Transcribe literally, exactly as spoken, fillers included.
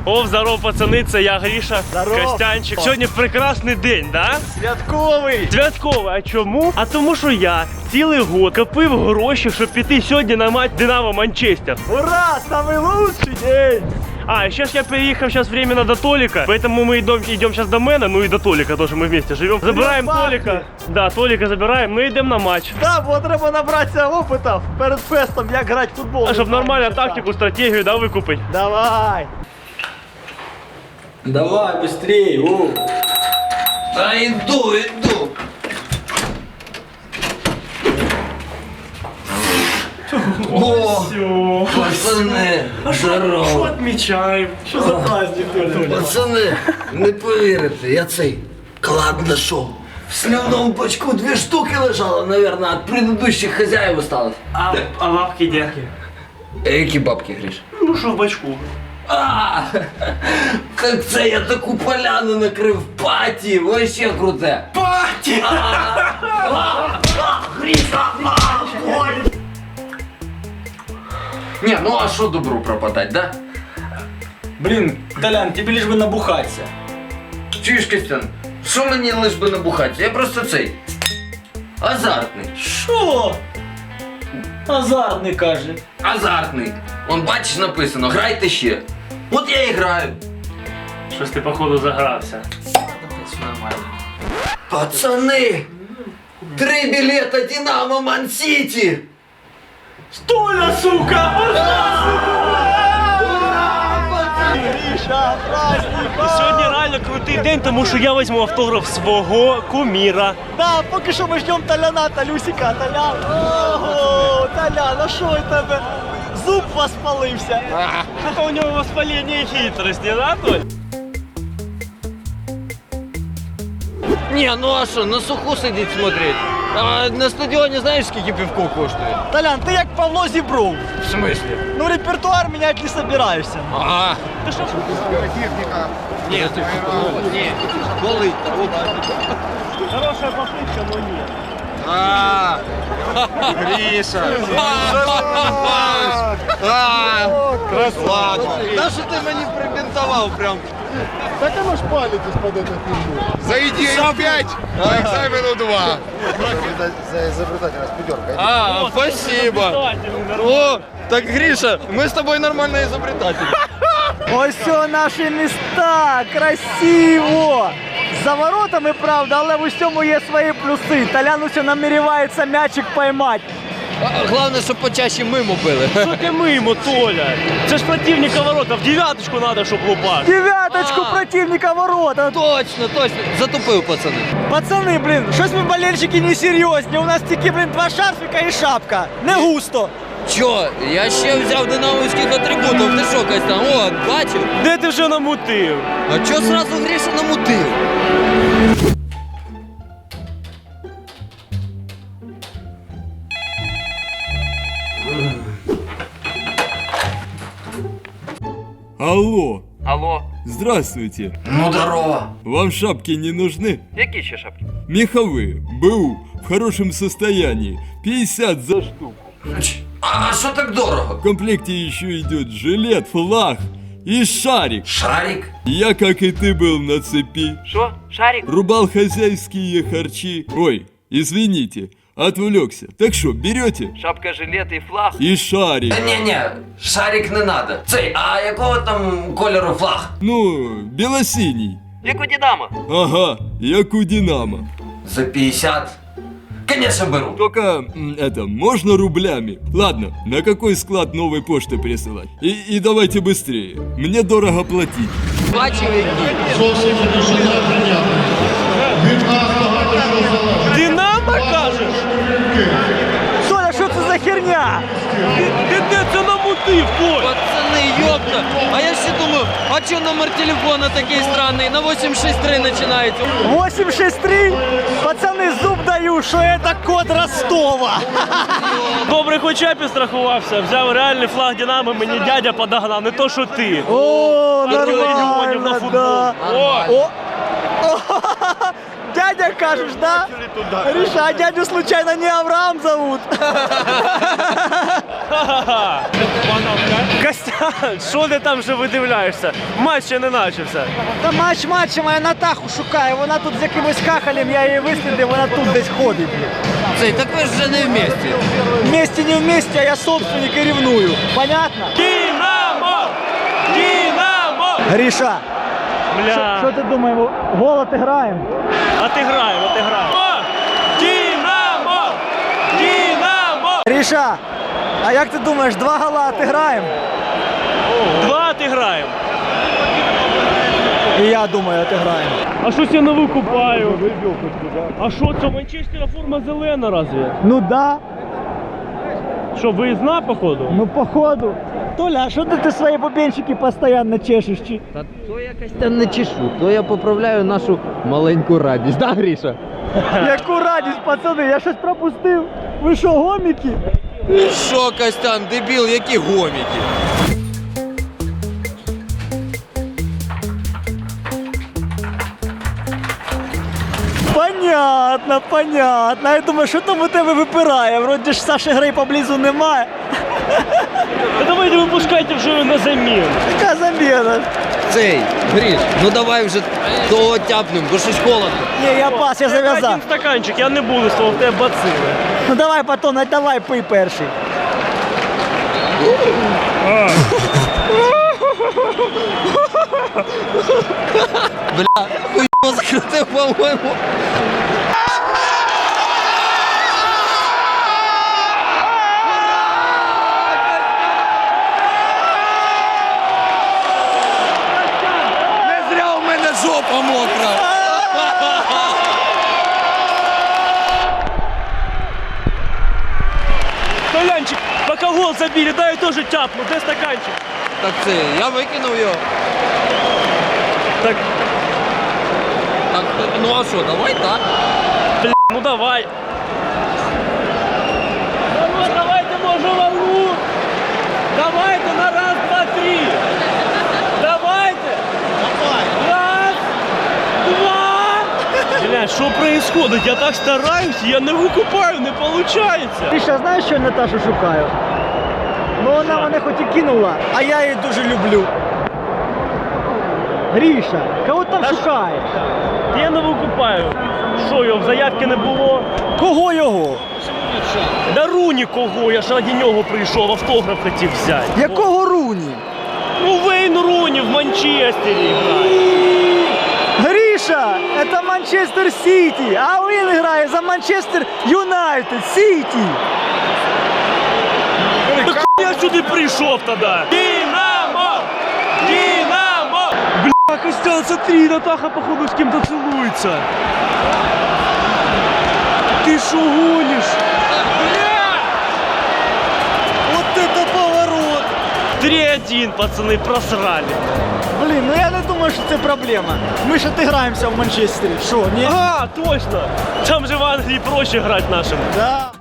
О, здорово, пацани, це я, Гріша, Здорово. Костянчик. Сьогодні прекрасний день, да? Святковий! Святковий, а чому? А тому що я цілий год копив гроші, щоб піти сьогодні на матч Динамо Манчестер. Ура! Самый лучший день! А, сейчас я переехал сейчас временно до Толика, поэтому мы идем, идем сейчас до Мэна, ну и до Толика тоже, мы вместе живем. Забираем Толика, да, Толика забираем, ну и идем на матч. Да, бо треба набратися опитів перед фестом, як грати в футбол. А щоб нормально тактику, стратегію, да, викупить. Давай! Давай, быстрее, о! Да иду, иду! О, пацани, здорово! Отмечаем. Що за праздник, Толя? Пацани, не повірите, я цей клад знайшов. В сливному бачку дві штуки лежало, наверное, от предыдущих хазяїв осталось. А, а лапки где? А які бабки, Гриш? Ну що в бачку? А, как це я таку поляну накрив, паті, вообще круте. Пати! Не, ну а що добру пропадать, да? Блин, Толян, тебе лишь бы набухаться. Чуєш, Костян, що мені лиш би набухатися? Я просто цей азартний. Шо? Азартный, каже. Азартний. Он бачиш написано, грайте ще. От я і граю. Щось ти, походу, загрався. Пацани! Три білета Динамо Ман-Сіті! Толя, сука! Гріша, праздник! Сьогодні реально крутий день, тому що я візьму автограф свого куміра. Да, поки що ми ждемо Толяна, Толюсика, Толян. Ого, Толян, а що у тебе? Зуб воспалився. Що у нього воспалення і хитрості, да, Толь? Не, ну а що, на суху сидіть смотреть? А на стадіоні знаєш, скільки півко коштує? Толян, ти як Павло Зібров. В смислі? Ну, репертуар міняти не собираєшся. Ага. Ти що? Ні, ти ні, болить. Хороша попытка, но ні. А, Гриша. Красавчик. Та що ти мені прибінтував прям? Так оно ж палитесь под эту фигню. За идею пять, по экзамену два. За изобретательность пятерка. А, О, спасибо. изобретательный, О, так, Гриша, мы с тобой нормально изобретатели. Ось все наші міста, красиво! За воротами, правда, але в усьому є свої плюси. Толян усе наміряється м'ячик поймати. Главное, щоб почаще мимо били. Що ти мимо, Толя? Це ж противника ворота, в дев'яточку треба, щоб лупаш. Дев'яточку А. противника ворота. Точно, точно. Затупив, пацани. Пацани, блін, щось ми болельщики не серйозні. У нас тільки, блін, два шарфика і шапка. Не густо. Чо? Я ще взяв динамовських атрибутів. Ти що, Костян? О, бачив? Де ти вже намутив? А чо сразу Гриша намутив? Алло, Алло, здравствуйте. Ну, здорово. Вам шапки не нужны? які ще шапки? Меховые, БУ, в хорошем состоянии, пятьдесят за штуку. А що так дорого? В комплекте еще идет жилет, флаг и шарик. Шарик? Я, как и ты, был на цепи. Що? Шарик? Рубал хозяйские харчи. Ой, извините, отвлекся. Так что, берете? Шапка, жилет і флаг. И шарик. Ні-ні, шарик не надо. Цей, а якого там кольору флаг? Ну, белосиний. Як у Динамо. Ага, як у Динамо. За пятьдесят. Конечно, беру. Только, м, это, можно рублями? Ладно, на какой склад новой почты присылать? И, и давайте быстрее. Мне дорого платить. Бачив, які. Динамо, кажеш? Соля, що це за херня? Ти, ти де це намутив, Толь? Пацани, ёпта. А я ще думаю, а чо номер телефона такий странний? На вісім шість три починається. вісім шість три. Пацани, зуб даю, що це код Ростова. Добре, хоч я підстрахувався, взяв реальний флаг Динамо, мені дядя подогнав, не то, що ти. О, Мільйонів нормально, на футбол. да. О! О, О, дядя дядя кажешь, да? Гриша, а дядю случайно не Авраам зовут? Костян, що ти там вже видивляєшся? Матч ще не начався. Та матч матчем, а я Натаху шукаю. Вона тут з якимось хахалем, я її вислідив, вона тут десь ходить. Цей, так ви ж вже не вместе. Вместе не вместе, а я собственник і ревную. Понятно? Динамо! Динамо! Гриша, Бля. що ти думаєш, гол отиграємо? Отиграємо, отиграємо. О! Динамо! Динамо! Гриша, а як ти думаєш, два гола отиграємо? Два отиграємо. І я думаю, отиграємо. А щось я не викупаю. А що це, у Манчестера форма зелена разве? Ну да, Що, виїзна, походу? ну походу. Толя, а що ти, ти свої бубенчики постійно чешеш? Чи? Та то якось там не чешу, то я поправляю нашу маленьку радість, да, Гріша? Яку радість, пацани, я щось пропустив. Ви що, гоміки? Що, Костян, дебіл, які гоміки? Понятно, понятно. Я думаю, що там у тебе випирає? Вроді ж Саші Грей поблизу немає. Та давайте випускайте вже його на заміну. Яка заміна? Цей, Гріш, ну давай вже того тяпнем, бо щось холодно. Ні, я пас, я зав'язав. Один стаканчик, я не буду, слово, в тебе бацили. Ну давай, Патон, давай пий перший. Бля, хуйно закрутив, по-моєму. Не зря у мене жопа мокра. Толянчик, пока гол забили, дай я тоже тяпну, де стаканчик? Так це, я викинув його. Так, Так, ну а що, давай так. бля, ну давай. Ну, давайте, може, волну. Давайте на раз, два, три. Давайте. Давай. Раз, два. Бля, що происходит? Я так стараюсь, я не викупаю, не получается. Ти що, знаєш, що я Наташу шукаю? Ну вона мене хоч і кинула, а я її дуже люблю. Гріша, кого ти там шукаєш? Я не викупаю. Що його в заявки не було? Кого його? Да Руні кого, я ж раді нього прийшов, автограф хотів взяти. Якого Руні? Ну Вейн Руні в Манчестері грає. Гріша, це Манчестер Сіті, а він грає за Манчестер Юнайтед Сіті. Так я сюди прийшов тоді. Динамо! Динамо! Бля, Костян, смотри, Натаха, походу, з ким-то цілується. Ти що гониш? Вот это поворот! три-один, пацани, просрали. Блін, ну я не думаю, що це проблема. Ми ж отиграємося в Манчестері. Що, ні? Ага, точно. Там же в Англії проще грати нашим. Да.